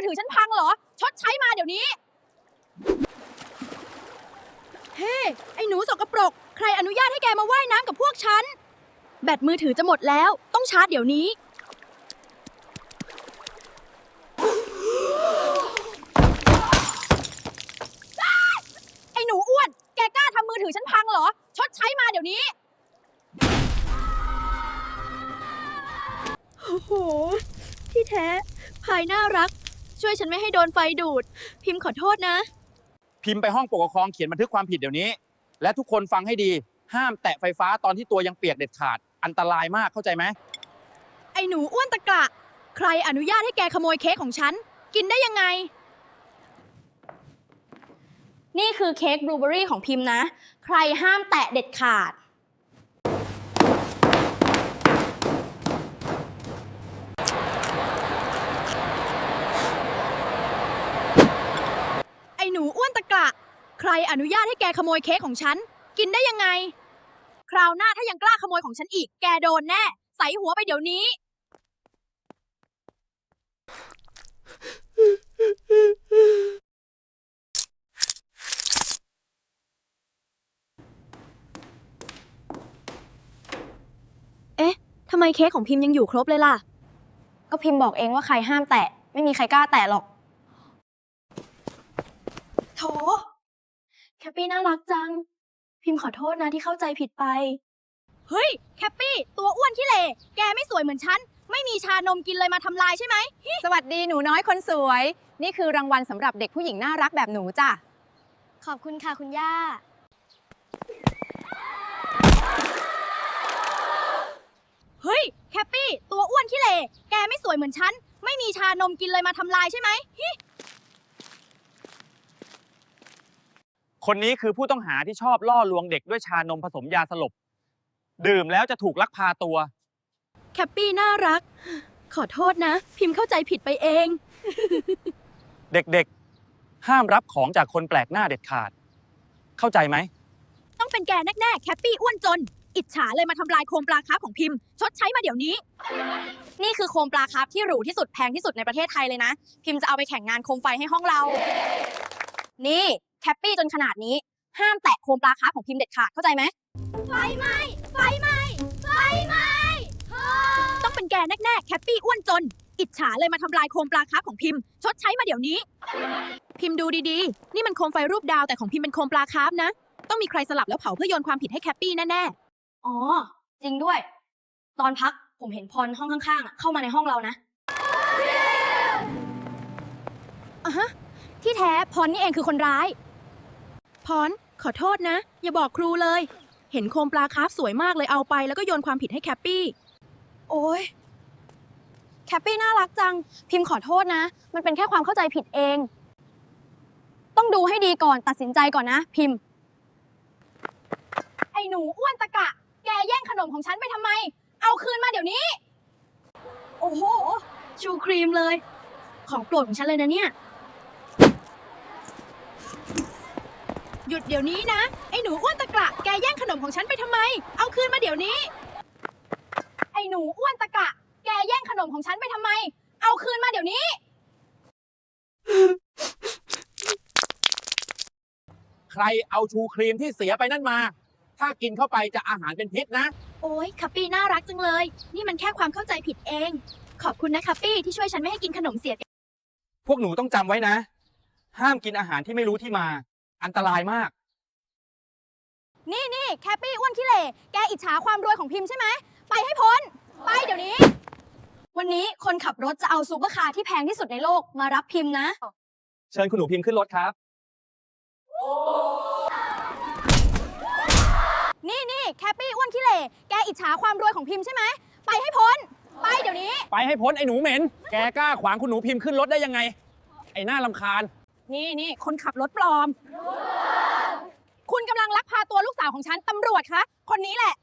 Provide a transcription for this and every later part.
ถือฉันพังเหรอชดใช้มาเดี๋ยวนี้เฮ้ไอ้หนูสกปรกใครอนุญาตให้แกมาว่ายน้ำกับพวกฉันแบตมือถือจะหมดแล้วต้องชาร์จเดี๋ยวนี้ไอ้หนูอ้วนแกกล้าทำมือถือฉันพังเหรอชดใช้มาเดี๋ยวนี้โอ้โหที่แท้พายน่ารักช่วยฉันไม่ให้โดนไฟดูดพิมพ์ขอโทษนะพิมพ์ไปห้องปกครองเขียนบันทึกความผิดเดี๋ยวนี้และทุกคนฟังให้ดีห้ามแตะไฟฟ้าตอนที่ตัวยังเปียกเด็ดขาดอันตรายมากเข้าใจไหมไอ้หนูอ้วนตะกระใครอนุญาตให้แกขโมยเค้กของฉันกินได้ยังไงนี่คือเค้กบลูเบอรี่ของพิมพ์นะใครห้ามแตะเด็ดขาดไอ้หนูอ้วนตะกระใครอนุญาตให้แกขโมยเค้กของฉันกินได้ยังไงคราวหน้าถ้ายังกล้าขโมยของฉันอีกแกโดนแน่ใส่หัวไปเดี๋ยวนี้เอ๊ะทำไมเค้กของพิมพ์ยังอยู่ครบเลยล่ะก็พิมพ์บอกเองว่าใครห้ามแตะไม่มีใครกล้าแตะหรอกโถแคปปี้น่ารักจังพิมพ์ขอโทษนะที่เข้าใจผิดไปเฮ้ยแคปปี้ตัวอ้วนขี้เหร่แกไม่สวยเหมือนฉันไม่มีชานมกินเลยมาทำลายใช่ไหมสวัสดีหนูน้อยคนสวยนี่คือรางวัลสำหรับเด็กผู้หญิงน่ารักแบบหนูจ้ะขอบคุณค่ะคุณย่าเฮ้ยแคปปี้ตัวอ้วนขี้เหร่แกไม่สวยเหมือนฉันไม่มีชานมกินเลยมาทำลายใช่ไหมคนนี้คือผู้ต้องหาที่ชอบล่อลวงเด็กด้วยชานมผสมยาสลบดื่มแล้วจะถูกลักพาตัวแคปปี้น่ารักขอโทษนะพิมพ์เข้าใจผิดไปเองเด็กๆห้ามรับของจากคนแปลกหน้าเด็ดขาดเข้าใจไหมต้องเป็นแกแน่ๆแคปปี้อ้วนจนอิจฉาเลยมาทำลายโคมปลาคาร์ฟของพิมพ์ชดใช้มาเดี๋ยวนี้นี่คือโคมปลาคาร์ฟที่หรูที่สุดแพงที่สุดในประเทศไทยเลยนะพิมพ์จะเอาไปแข่งงานโคมไฟให้ห้องเรานี่แคปปี้จนขนาดนี้ห้ามแตะโคมปลาคาร์ฟของพิมพ์เด็ดขาดเข้าใจไหมไฟไหม้ไฟไหม้ไฟไหม้ต้องเป็นแกแน่ๆแคปปี้อ้วนจนอิจฉาเลยมาทำลายโคมปลาคาร์ฟของพิมพ์ชดใช้มาเดี๋ยวนี้พิมพ์ดูดีๆนี่มันโคมไฟรูปดาวแต่ของพิมพ์เป็นโคมปลาคาร์ฟนะต้องมีใครสลับแล้วเผาเพื่อโยนความผิดให้แคปปี้แน่ๆอ๋อจริงด้วยตอนพักผมเห็นพรห้องข้างๆเข้ามาในห้องเรานะอ่ะฮะที่แท้พรนี่เองคือคนร้ายพรขอโทษนะอย่าบอกครูเลยเห็นโคมปลาคาร์ฟสวยมากเลยเอาไปแล้วก็โยนความผิดให้แคปปี้โอ้ยแคปปี้น่ารักจังพิมพ์ขอโทษนะมันเป็นแค่ความเข้าใจผิดเองต้องดูให้ดีก่อนตัดสินใจก่อนนะพิมพ์ไอ้หนูอ้วนตะกะแกแย่งขนมของฉันไปทำไมเอาคืนมาเดี๋ยวนี้โอ้โหชูครีมเลยของโปรดของฉันเลยนะเนี่ยหยุดเดี๋ยวนี้นะไอ้หนูอ้วนตะกะแกแย่งขนมของฉันไปทำไมเอาคืนมาเดี๋ยวนี้ไอ้หนูอ้วนตะกะแกแย่งขนมของฉันไปทำไมเอาคืนมาเดี๋ยวนี้ใครเอาชูครีมที่เสียไปนั่นมาถ้ากินเข้าไปจะอาหารเป็นพิษนะโอ้ยคัปปี้น่ารักจังเลยนี่มันแค่ความเข้าใจผิดเองขอบคุณนะคัปปี้ที่ช่วยฉันไม่ให้กินขนมเสียพวกหนูต้องจำไว้นะห้ามกินอาหารที่ไม่รู้ที่มาอันตรายมากนี่แคปปี้อ้วนขี้เหร่แกอิจฉาความรวยของพิมพ์ใช่ไหมไปให้พ้นไปเดี๋ยวนี้วันนี้คนขับรถจะเอาซูเปอร์คาร์ที่แพงที่สุดในโลกมารับพิมพ์นะเชิญคุณหนูพิมพ์ขึ้นรถครับนี่แคปปี้อ้วนขี้เหร่แกอิจฉาความรวยของพิมพ์ใช่ไหมไปให้พ้นไปเดี๋ยวนี้ไปให้พ้นไอ้หนูเหม็นแกกล้าขวางคุณหนูพิมพ์ขึ้นรถได้ยังไงไอ้หน้ารำคาญนี่คนขับรถปลอมคุณกำลังลักพาตัวลูกสาวของฉันตำรวจคะคนนี้แหละ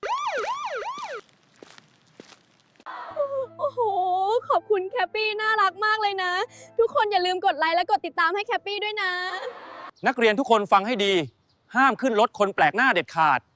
โอ้โหขอบคุณแคปปี้น่ารักมากเลยนะทุกคนอย่าลืมกดไลค์และกดติดตามให้แคปปี้ด้วยนะนักเรียนทุกคนฟังให้ดีห้ามขึ้นรถคนแปลกหน้าเด็ดขาด